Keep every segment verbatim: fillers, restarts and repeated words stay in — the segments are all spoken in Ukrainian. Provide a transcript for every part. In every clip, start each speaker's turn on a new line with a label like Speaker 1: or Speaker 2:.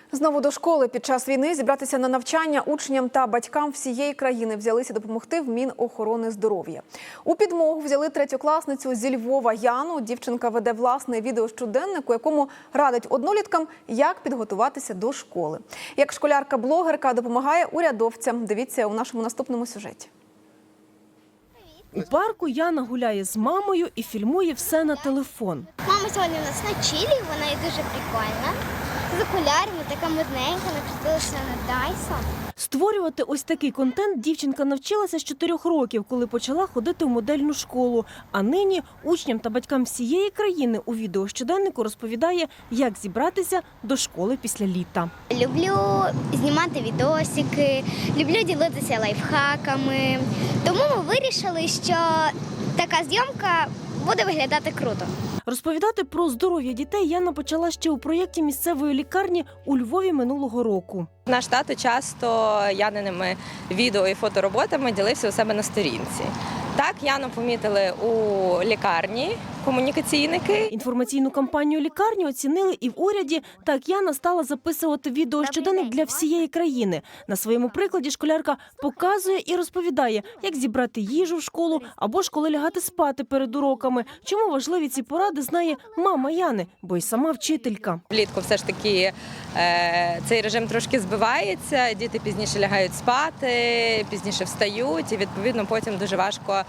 Speaker 1: Знову до школи під час війни зібратися на навчання учням та батькам всієї країни взялися допомогти в Мінохорони здоров'я. У підмогу взяли третьокласницю зі Львова Яну. Дівчинка веде власний відеощоденник, у якому радить одноліткам, як підготуватися до школи. Як школярка-блогерка допомагає урядовцям. Дивіться у нашому наступному сюжеті.
Speaker 2: У парку Яна гуляє з мамою і фільмує все на телефон.
Speaker 3: Мама сьогодні у нас на чилі, вона і дуже прикольна. З окулярами, така модненька, накрутилася на Dyson.
Speaker 2: Створювати ось такий контент дівчинка навчилася з чотирьох років, коли почала ходити в модельну школу. А нині учням та батькам всієї країни у відеощоденнику розповідає, як зібратися до школи після літа.
Speaker 3: Люблю знімати відосики, люблю ділитися лайфхаками. Тому ми вирішили, що така зйомка буде виглядати круто.
Speaker 2: Розповідати про здоров'я дітей Яна почала ще у проєкті місцевої лікарні у Львові минулого року.
Speaker 4: Наш тато часто Яниними відео і фотороботами ділився у себе на сторінці. Так, Яну помітили у лікарні комунікаційники.
Speaker 2: Інформаційну кампанію лікарні оцінили і в уряді. Так Яна стала записувати відеощоденник для всієї країни. На своєму прикладі школярка показує і розповідає, як зібрати їжу в школу або ж коли лягати спати перед уроками. Чому важливі ці поради, знає мама Яни, бо й сама вчителька.
Speaker 4: Влітку все ж таки е, цей режим трошки збивається, діти пізніше лягають спати, пізніше встають і відповідно потім дуже важко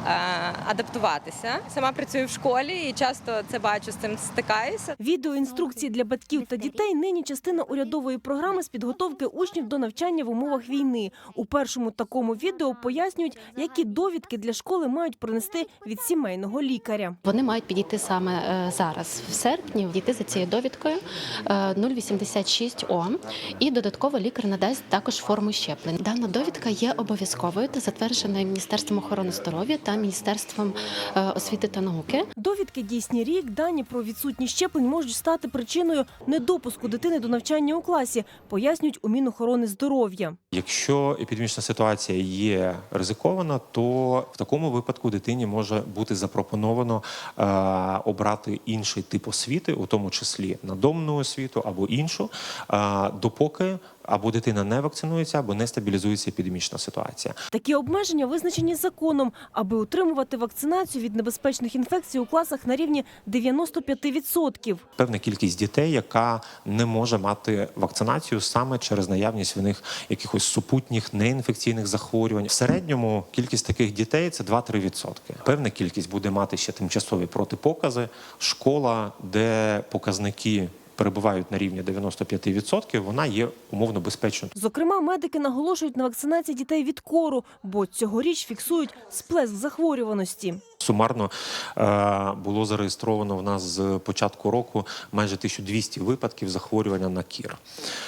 Speaker 4: адаптуватися. Сама працюю в школі і часто це бачу, з цим стикаюся.
Speaker 2: Відеоінструкції для батьків та дітей нині частина урядової програми з підготовки учнів до навчання в умовах війни. У першому такому відео пояснюють, які довідки для школи мають принести від сімейного лікаря.
Speaker 5: Вони мають підійти саме зараз, в серпні, дійти за цією довідкою нуль вісімдесят шість О, і додатково лікар надасть також форму щеплень. Дана довідка є обов'язковою та затвердженою Міністерством охорони здоров'я та Міністерством освіти та науки.
Speaker 2: Довідки дійсні рік, дані про відсутність щеплень можуть стати причиною недопуску дитини до навчання у класі, пояснюють у Мінохорони здоров'я.
Speaker 6: Якщо епідемічна ситуація є ризикована, то в такому випадку дитині може бути запропоновано е, обрати інший тип освіти, у тому числі надомну освіту або іншу, е, допоки або дитина не вакцинується, або не стабілізується епідемічна ситуація.
Speaker 2: Такі обмеження визначені законом, аби утримувати вакцинацію від небезпечних інфекцій у класах на рівні дев'яносто п'ять відсотків.
Speaker 6: Певна кількість дітей, яка не може мати вакцинацію саме через наявність в них якихось супутніх неінфекційних захворювань. В середньому кількість таких дітей – це два-три відсотки. Певна кількість буде мати ще тимчасові протипокази. Школа, де показники перебувають на рівні дев'яносто п'ять відсотків, вона є умовно безпечною.
Speaker 2: Зокрема, медики наголошують на вакцинації дітей від кору, бо цьогоріч фіксують сплеск захворюваності.
Speaker 6: Сумарно було зареєстровано в нас з початку року майже тисяча двісті випадків захворювання на кір.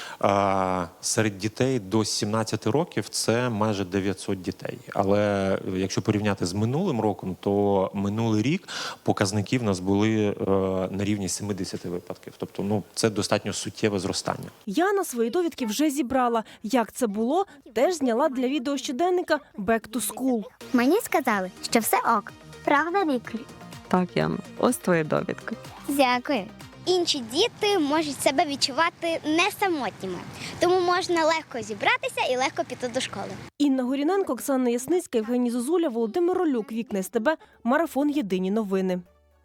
Speaker 6: Серед дітей до сімнадцяти років це майже дев'ятсот дітей. Але якщо порівняти з минулим роком, то минулий рік показники в нас були на рівні сімдесяти випадків. Тобто, ну, це достатньо суттєве зростання.
Speaker 2: Яна свої довідки вже зібрала. Як це було, теж зняла для відеощоденника «Back to School».
Speaker 3: Мені сказали, що все ок. Правда, лікар?
Speaker 7: Так, Яна, ось твоя довідка.
Speaker 3: Дякую. Інші діти можуть себе відчувати не самотніми, тому можна легко зібратися і легко піти до школи.
Speaker 2: Інна Горіненко, Оксана Ясницька, Євгеній Зозуля, Володимир Ролюк, Вікна СТБ, Марафон. Єдині новини.